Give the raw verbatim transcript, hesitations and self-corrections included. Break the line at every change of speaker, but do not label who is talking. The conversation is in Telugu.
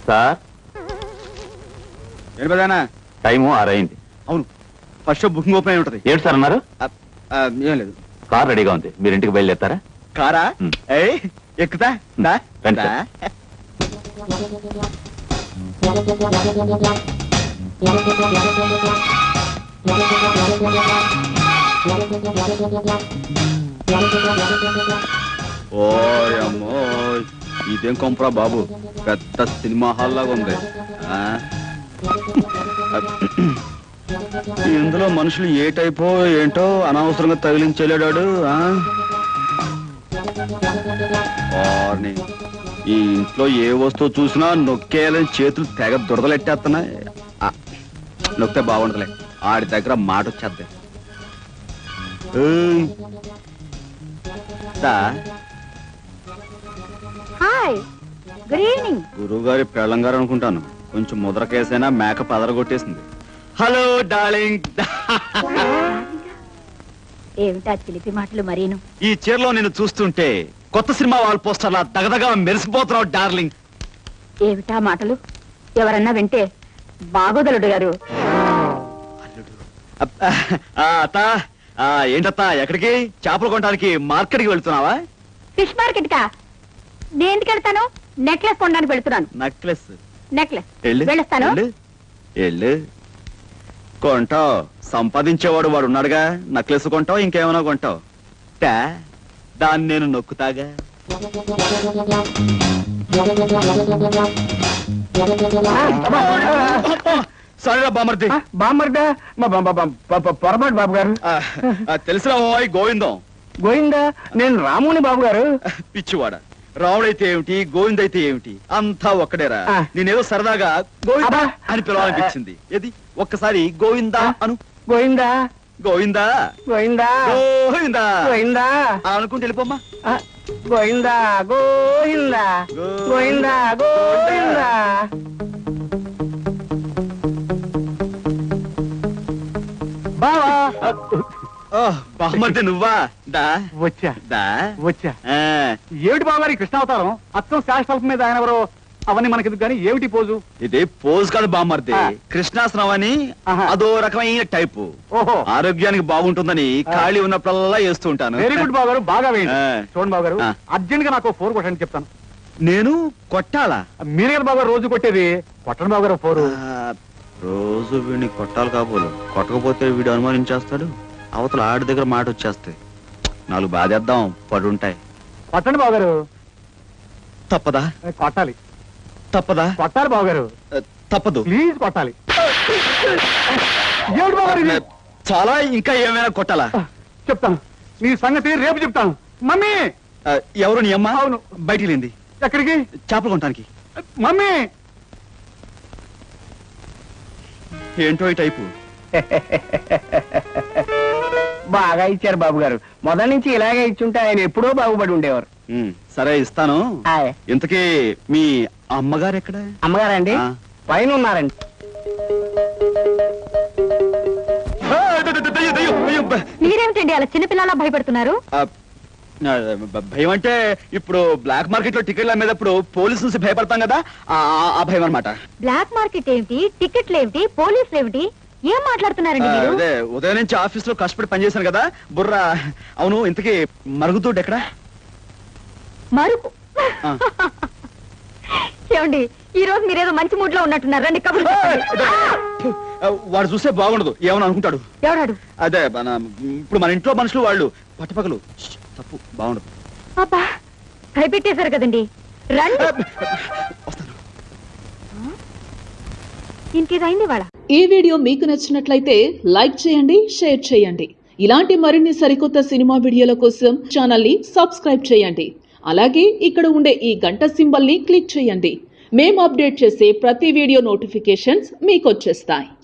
సార్
ఏంటి పెదానా
టైము ఆరైంది.
అవును ఫస్ట్ షో బుకింగ్ ఓపెన్ అయి ఉంటది.
ఏంటి సార్ అన్నారు?
ఏం లేదు.
కార్ రెడీగా ఉంది, మీరు ఇంటికి బయలుదేరతారా?
కారా? ఏ ఎక్కుతా దా
రండి
దా.
సార్.
ఓయమ్మో ఇదేం కొంపరా బాబు, పెద్ద సినిమా హాల్ లాగా ఉంది. ఆ? ఇందులో మనుషులు ఏ టైపో ఏంటో అనవసరంగా తగిలించలేడాడు. ఈ ఇంట్లో ఏ వస్తువు చూసినా నొక్కేయాలని చేతులు తెగ దురదలెట్టేస్తున్నాయి. నొక్కితే బాగుండదులే, ఆడి దగ్గర మాట వచ్చేద్ది.
Hi, good evening.
గురువు గారి పెళ్ళంగారు అనుకుంటాను, కొంచెం ముద్ర కేసైనా మేక పదరగొట్టేసింది. Hello darling.
ఏమిటా చిలిపి మాటలు మరీను?
ఈ చీరలో నేను చూస్తుంటే కొత్త సినిమా వాల్ పోస్టర్లా దగదగా మెరిసిపోతున్నావు డార్లింగ్.
ఏమిటా మాటలు? ఎవరన్నా వింటే బాగోదలుడు గారు.
అత్త ఏంటత్తా, ఎక్కడికి? చేపలు కొనడానికి మార్కెట్కి వెళ్తున్నావా?
ఫిష్ మార్కెట్ కా? దేనికి వెళ్తాను? నెక్లెస్ కొనడానికి వెళ్తున్నాను.
నెక్లెస్?
నెక్లెస్ వెళ్ళొస్తాను.
వెళ్ళు, కొంటావు. సంపాదించేవాడు వాడు ఉన్నాడుగా, నెక్లెస్ కొంటావు, ఇంకేమైనా కొంటావు. దాన్ని నేను నొక్కుతాగా. సరేరా బామర్ది.
బామర్దా? పొరపాటు బాబు గారు.
తెలిసిన గోవిందం.
గోవిందా? నేను రాముని బాబు గారు.
పిచ్చివాడ, రాముడైతే ఏమిటి, గోవిందైతే ఏమిటి, అంతా ఒక్కడేరా. నేనేదో సరదాగా గోవిందా అని పిలవాలనిపించింది. ఏది ఒక్కసారి గోవిందా అను.
గోవిందా
గోవిందా
గోవిందా
గోవిందా
గోవిందా
అనుకుంటే వెళ్ళిపోమ్మా.
గోవిందా గోవిందా గోవిందా గోవిందా. బావా
బామర్ది నువ్వా? దా
వచ్చా
దా
వచ్చా. ఏమిటి బావగారి కృష్ణావతారం? అచ్చం శాస్త్రం మీద ఆయన ఎవరో అవన్నీ మనకి కానీ ఏమిటి పోజు?
ఇది పోజ్ కాదు బామర్ది, కృష్ణాసనం అని అదో రకమైన టైపు.
ఓహో,
ఆరోగ్యానికి బాగుంటుందని ఖాళీ ఉన్నప్పుడల్లా వేస్తూ ఉంటాను.
వెరీ గుడ్ బావగారు, బాగా వేయండి. చూడండి బావగారు, అర్జెంట్ గా నాకు ఫోర్ కొట్టండి చెప్తాను.
నేను కొట్టాలా?
మీరే కదా బావగారు రోజు కొట్టేది. కొట్టండి బావగారు ఫోరు.
రోజు వీడిని కొట్టాలి కాబోలు, కొట్టకపోతే వీడు అనుమానించేస్తాడు. అవతల ఆడి దగ్గర మాట వచ్చేస్తాయి. నాలుగు బాధేద్దాం, పడుంటాయి.
కొట్టండి బావగారు.
తప్పదా?
కొట్టాలి.
తప్పదా?
కొట్టాలి బావగారు.
తప్పదు,
ప్లీజ్ కొట్టాలి. ఏమిటి బావగారు ఇది?
చాలా, ఇంకా ఏమైనా కొట్టాలా?
చెప్తాను, నీ సంగతి రేపు చెప్తాను. మమ్మీ!
ఎవరు నీ అమ్మ?
అవును.
బయటికి లేంది.
ఎక్కడికి?
చేపలు కొనడానికి.
మమ్మీ!
ఏంటో ఈ టైపు.
బాగా ఇచ్చారు బాబు గారు. మొదటి నుంచి ఇలాగే ఇచ్చుంటే ఆయన ఎప్పుడో బాగుపడి ఉండేవారు.
సరే ఇస్తాను. ఇంతకీ మీ అమ్మగారు ఎక్కడ?
అమ్మగారండి పైన ఉన్నారండి.
మీరేమిటండి అలా చిన్నపిల్లలా భయపడుతున్నారు?
భయం అంటే ఇప్పుడు బ్లాక్ మార్కెట్ లో టికెట్లు అమ్మేటప్పుడు పోలీసు నుంచి భయపడతాం కదా, ఆ భయం అనమాట.
బ్లాక్ మార్కెట్ ఏమిటి, టికెట్లు ఏమిటి, పోలీసులు ఏమిటి, ఏం మాట్లాడుతున్నారండి మీరు?
అదే ఉదయం నుంచి ఆఫీస్ లో కష్టపడి పనిచేశాను కదా బుర్ర. అవును, ఇంతకీ మరుగుతోటి ఎక్కడ?
మరుగు? ఏమండి, ఈ రోజు మీరేదో మంచి మూడ్ లో ఉన్నట్టున్నారు. రండి కబుర్లు.
వాడు చూస్తే బాగుండదు, ఏమని అనుకుంటాడు.
ఎవడాడు?
అదే ఇప్పుడు మన ఇంట్లో మనుషులు వాళ్ళు పట్టపగలు. తప్పు, బాగుండదు.
అబ్బా, భయపెట్టేశారు కదండి. రండి. ఇంకేదైంది వాళ్ళ.
ఈ వీడియో మీకు నచ్చినట్లయితే లైక్ చేయండి, షేర్ చేయండి. ఇలాంటి మరిన్ని సరికొత్త సినిమా వీడియోల కోసం ఛానల్ ని సబ్స్క్రైబ్ చేయండి. అలాగే ఇక్కడ ఉండే ఈ గంట సింబల్ ని క్లిక్ చేయండి. మేము అప్డేట్ చేసే ప్రతి వీడియో నోటిఫికేషన్స్ మీకు వచ్చేస్తాయి.